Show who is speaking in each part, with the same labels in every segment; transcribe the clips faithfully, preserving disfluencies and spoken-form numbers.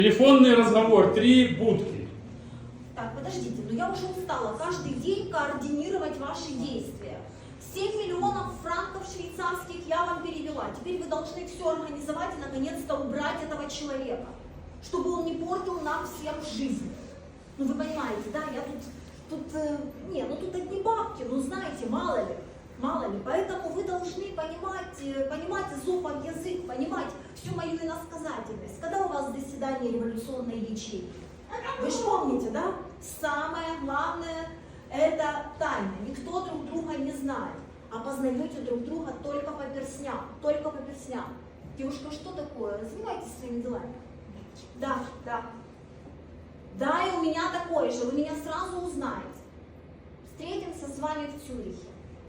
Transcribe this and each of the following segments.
Speaker 1: Телефонный разговор, три будки.
Speaker 2: Так, подождите, но я уже устала каждый день координировать ваши действия. семь миллионов франков швейцарских я вам перевела. Теперь вы должны все организовать и наконец-то убрать этого человека, чтобы он не портил нам всем жизнь. Ну вы понимаете, да, я тут, тут, э, не, ну тут одни бабки, ну знаете, мало ли, мало ли. Поэтому вы должны понимать, э, понимать изопов язык, понимать всю мою иносказательность. Когда у вас заседание революционной ячейки? Вы же помните, да? Самое главное – это тайна. Никто друг друга не знает. А познаете друг друга только по перстням. Только по перстням. Девушка, что такое? Развивайтесь своими делами. Да, да. Да, и у меня такое же. Вы меня сразу узнаете. Встретимся с вами в Цюрихе.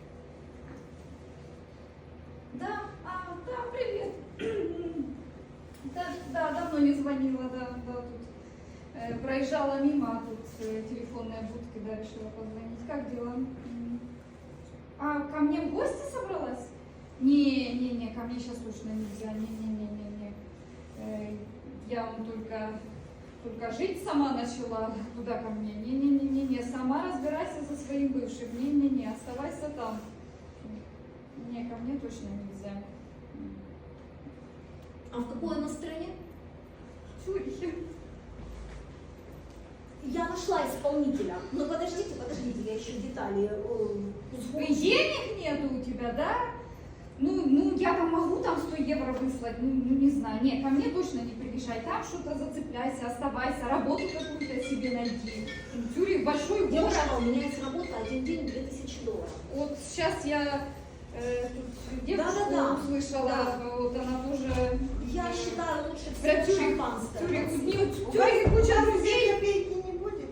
Speaker 3: Да, а, да, привет. Да, да, давно не звонила, да, да, тут э, проезжала мимо, а тут э, телефонная будка, да, решила позвонить. Как дела? М. А ко мне в гости собралась? Не, не, не, ко мне сейчас точно нельзя, не, не, не, не, не. Э, я вам только, только жить сама начала, куда ко мне? Не, не, не, не, не, сама разбирайся со своим бывшим, не, не, не, оставайся там. Не, ко мне точно нельзя.
Speaker 2: А в какой она стране?
Speaker 3: В Цюрихе.
Speaker 2: Я нашла исполнителя. Но подождите, подождите, я еще детали э, узгоджу.
Speaker 3: Денег нету у тебя, да? Ну, ну, я там могу там сто евро выслать, ну, ну, не знаю. Нет, ко мне точно не приезжай. Там что-то зацепляйся, оставайся, работу какую-то себе найди. Цюрих большой город.
Speaker 2: Девушка, у меня есть работа, один день две тысячи долларов.
Speaker 3: Вот сейчас я э, тут девушку
Speaker 2: Да-да-да.
Speaker 3: услышала,
Speaker 2: Да.
Speaker 3: вот она тоже...
Speaker 2: Я считаю, лучше
Speaker 3: Про
Speaker 2: всего
Speaker 3: Цюрих,
Speaker 2: шампанское.
Speaker 3: Цюрих,
Speaker 2: подсыпать.
Speaker 3: не, в Цюрихе куча друзей.
Speaker 4: Копейки не будет?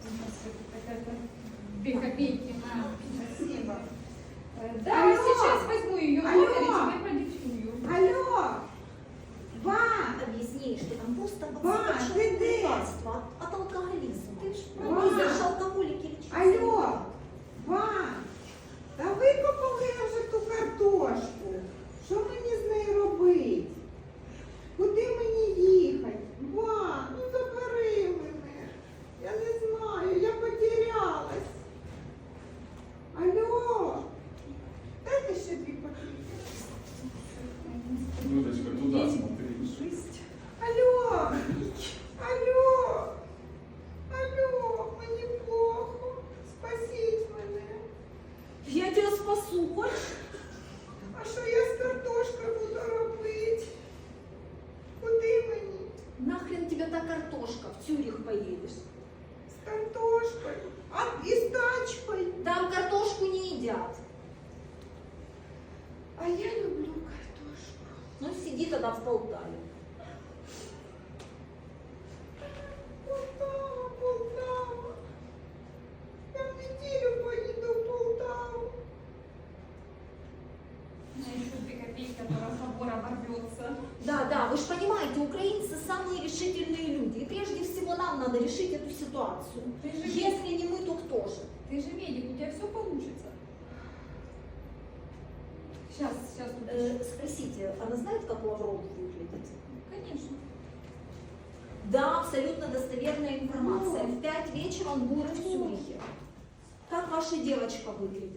Speaker 3: Две копейки.
Speaker 4: Спасибо.
Speaker 3: Э, Да,
Speaker 4: Алло.
Speaker 3: сейчас возьму ее
Speaker 4: Алло.
Speaker 3: номер и тебе продиктую.
Speaker 4: Алло! Ба!
Speaker 2: Объясни, что там просто
Speaker 4: Ба, ты де?
Speaker 2: лекарство от, от алкоголизма.
Speaker 3: Ти ж
Speaker 2: Ну,
Speaker 4: Ба.
Speaker 2: ви ж алкоголики лечите.
Speaker 4: Алло! Ба! Та викопали вже ту картошку. Що мені з нею робити? Куди мені їхати? Ба, ну забери мене. Я не знаю, я потерялась. Алло! Дайте ще дві копійки.
Speaker 1: Людочка, туда смотри.
Speaker 4: Алло! Алло! Алло! Мені плохо. Спасіть мене.
Speaker 2: Я тебя спасу, хочешь?
Speaker 4: А що я з картошкою буду робити? Куди мені?
Speaker 2: Нахрен тебе та картошка, в Цюрих поедешь.
Speaker 4: З картошкою. А і з тачкою.
Speaker 2: Там картошку не едят.
Speaker 4: А я люблю картошку.
Speaker 2: Ну сиди тогда в Полтаве.
Speaker 4: Полтава, Полтава. Я в неділю поїду в Полтаву.
Speaker 3: У меня еще две копейки, до разговора ворвется.
Speaker 2: Да, да, вы же понимаете, украинцы самые решительные люди. И прежде всего нам надо решить эту ситуацию.
Speaker 3: Ты же,
Speaker 2: Если не мы, то кто же?
Speaker 3: ты же медик, у тебя все получится. Сейчас, сейчас тут
Speaker 2: Э, спросите, она знает, как Лавров выглядит?
Speaker 3: Конечно.
Speaker 2: Да, абсолютно достоверная информация. В пять вечера он будет в Цюрихе. Как ваша девочка выглядит?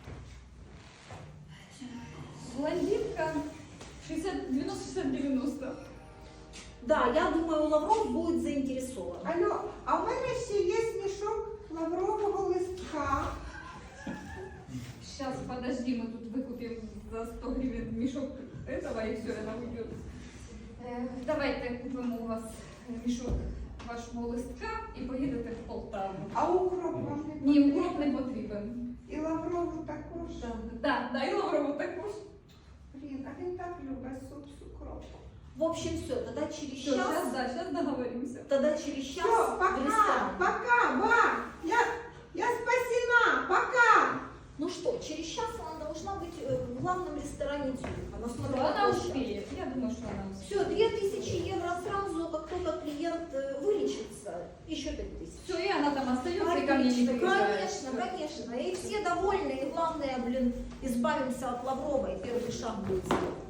Speaker 3: Блондинка шестьдесят, девяносто, шестьдесят, девяносто.
Speaker 2: Да, я думаю, Лавров будет заинтересован.
Speaker 4: Алло, а в мене ще є мішок лаврового листка.
Speaker 3: Сейчас, подожди, мы тут выкупим за сто гривен мешок этого, и все, она уйдет. Э, давайте купим у вас мешок вашого листка і поїдете в Полтаву.
Speaker 4: А укроп вам не
Speaker 3: Ні,
Speaker 4: потрібен?
Speaker 3: укроп не потрібен.
Speaker 4: І лаврову також.
Speaker 3: Да, да, і лаврову також.
Speaker 4: Блін, а він так любить суп з укропом.
Speaker 2: В общем, все, тогда через
Speaker 3: Все,
Speaker 2: час,
Speaker 3: сейчас, да, сейчас договоримся.
Speaker 2: тогда через час
Speaker 4: Все,
Speaker 2: в
Speaker 4: пока,
Speaker 2: ресторан.
Speaker 4: пока, ба! Я, я спасена, пока!
Speaker 2: Ну что, через час она должна быть э, в главном ресторане Цюриха. На
Speaker 3: Все,
Speaker 2: смотровой
Speaker 3: она
Speaker 2: площадке.
Speaker 3: успеет. Я думаю, что она успеет.
Speaker 2: Все, две тысячи евро сразу, как только клиент э, вылечится, еще пять тысяч.
Speaker 3: Все, и она там остается, и ко мне не
Speaker 2: Конечно,
Speaker 3: приезжает.
Speaker 2: конечно, конечно. И все довольны, и главное, блин, избавимся от Лаврова, и первый шаг будет сделан.